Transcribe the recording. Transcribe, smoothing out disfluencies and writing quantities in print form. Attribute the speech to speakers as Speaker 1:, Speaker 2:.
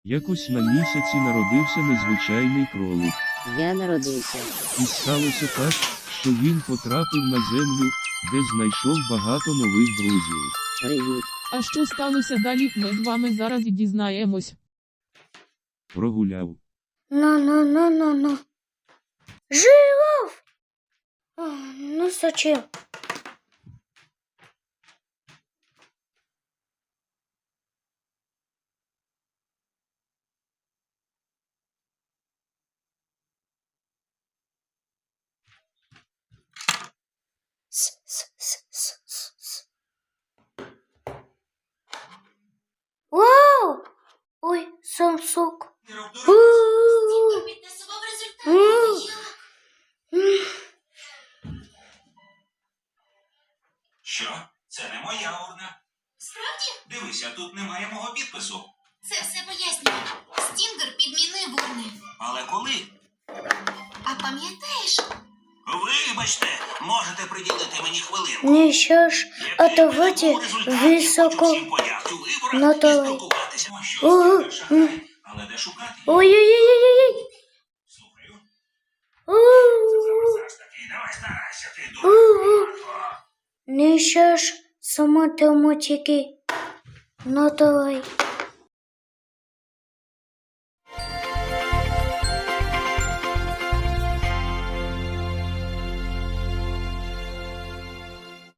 Speaker 1: Якось на місяці народився незвичайний кролик.
Speaker 2: Я народився.
Speaker 1: І сталося так, що він потрапив на землю, де знайшов багато нових друзів.
Speaker 2: Привіт.
Speaker 3: А що сталося далі, ми з вами зараз і дізнаємось.
Speaker 1: Прогуляв.
Speaker 4: Ну. Жираф! Ну зачем? Вау! Ой, Самсук.
Speaker 5: Що? Це не моя урна.
Speaker 6: Справді?
Speaker 5: Дивися, тут немає мого підпису.
Speaker 6: Це все пояснює. Стінгер підмінив урни.
Speaker 5: Але коли?
Speaker 6: А пам'ятаєш?
Speaker 5: Вибачте, можете приділити мені хвилинку.
Speaker 4: Ну що ж, а давайте високо на талай.
Speaker 5: Але де шукати?
Speaker 4: Ой-ой-ой-ой-ой.
Speaker 5: Слухаю.
Speaker 4: У-у-у.
Speaker 5: Зараз таки, давай старайся, ти дуже.
Speaker 4: Ну що ж, сама математики на талай.